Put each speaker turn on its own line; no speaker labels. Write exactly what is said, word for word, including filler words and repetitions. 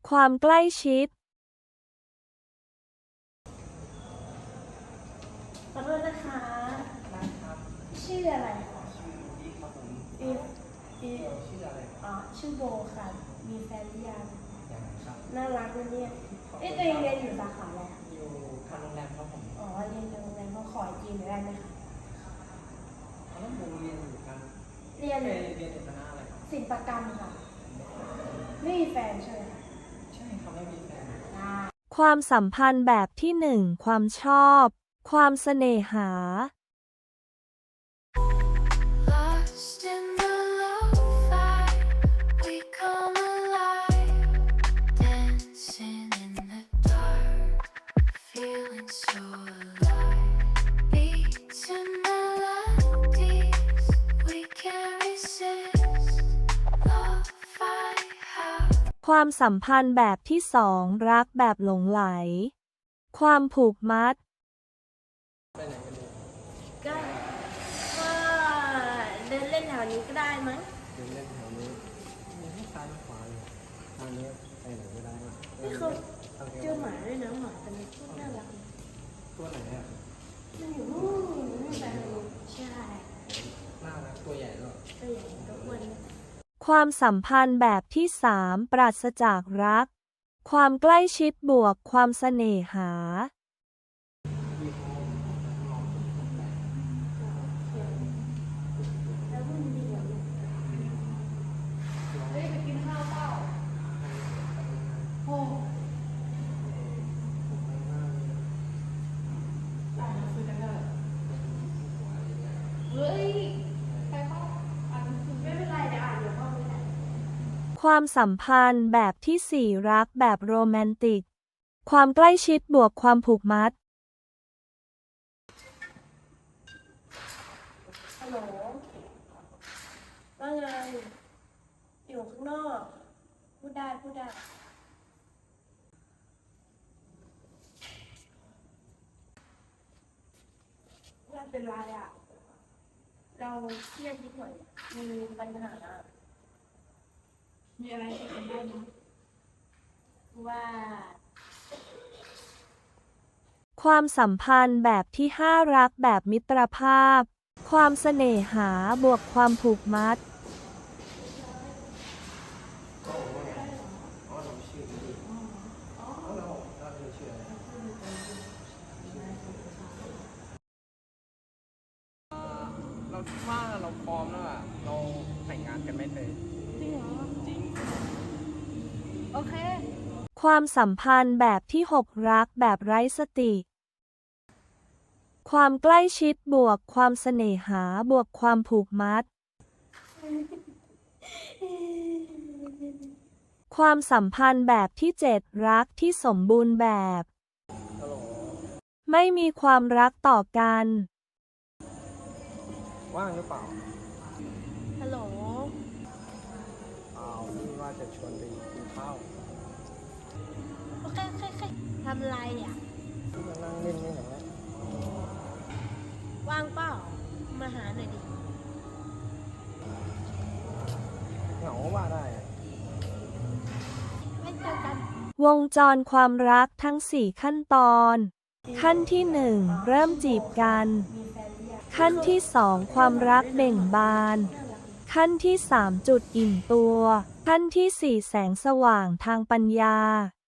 ความใกล้ชิด
ขอโทษนะคะ
ได้ครับ
ชื่ออะไรคะ
ชื่ออีฟครับผม
อีฟอีฟ
ชื่ออะไร
อ๋อชื่อโบค่ะ มีแฟนหรือยัง
อย่างครับ
น่ารักเลยเนี่ยเอ๊ะตัวเองเรียนอยู่สาขาอะไรคะ
อยู่ทางโรงแรมครับผม
อ๋อ เรียนอยู่โรงแรมเขาขอจีนได้ไหมคะ
แล้วผมเรียนอยู่กัน
เรียน
เรียนเรียนอยู่คณะอะไรครับ
ศิลปกรรมค่ะ ไม่มีแฟนใช่ไหมคะ
ใช่ครับไม่มีแฟน
อ่า
ความสัมพันธ์แบบที่หนึ่งความชอบ ความเสน่หา
Lost in the lo-fi, we come alive, dancing in the dark, feeling so alive. Beats and melodies, we can't resist. Lo-fi house.
ความสัมพันธ์แบบที่สองรักแบบหลงไหล ความผูกมัด
ไปไหนกันดี
ก็ก็เดินเล่นแถวนี้ก็ได้มั้ง
เดินเล่นแถวนี้มีให้ซ้ายขวาเลยทางนี้ไปไหนก็ได้
นี่เขาเจอหมาด้วยนะหมาตัวนี้น่ารัก
ตัวไหนอ่ะ
มันอยู่นู่นนู่นไปทางนู้นใช่
น่ารักตัวใหญ่ด้วย
ตัวใหญ่ตัวอ้วน
ความสัมพันธ์แบบที่สามปราศจากรัก ความใกล้ชิดบวกความเสน่หา
แล้วมันดีกว่าลูกเฮ้ยไปกินข้าวเปล่าโอ้เฮ้ยไปเปล่าอ่านหนังสือไม่เป็นไรเดี๋ยวอ่านเดี๋ยวพ่อไม่ได้
ความสัมพันธ์แบบที่สี่รักแบบโรแมนติก ความใกล้ชิดบวกความผูกมัด
ฮัลโหลว่าไงอยู่ข้างนอกพูดได้พูดได้ไม่เป็นไรอ่ะ เราเครียดนิดหน่อยมีปัญหา มีอะไรที่เป็นได้ไหมว่า
ความสัมพันธ์แบบที่ห้ารักแบบมิตรภาพ ความเสน่หาบวกความผูกมัด
อ๋อเราชื่ออีฟอ๋อเราเราชื่ออะไรเราคิดว่าเราพร้อมแล้วอ่ะเราแต่งงานกันไหมเธอ
จริงเหรอ
จริง
โอเค
ความสัมพันธ์แบบที่หกรักแบบไร้สติ ความใกล้ชิดบวกความเสน่หาบวกความผูกมัด ความสัมพันธ์แบบที่เจ็ดรักที่สมบูรณ์แบบ
ฮัลโหล
ไม่มีความรักต่อกัน
ว่างหรือเปล่า
ฮัลโหล
อ้าวนี่ว่าจะชวนไปกินข้าว
โอเคโอเคโอเคทำอะไรอ่ะ
มานั่งเล่นนี่เหรอ
ว่างเปล่า มาหาหน่อยดิ
เหงาว่าได้อะ
ไม่เจอกัน
วงจรความรักทั้งสี่ขั้นตอน ขั้นที่หนึ่งเริ่มจีบกัน
มีแฟนหรือยัง
ขั้นที่สองความรักเบ่งบาน
น่ารักดี
ขั้นที่สามจุดอิ่มตัว ขั้นที่สี่แสงสว่างทางปัญญา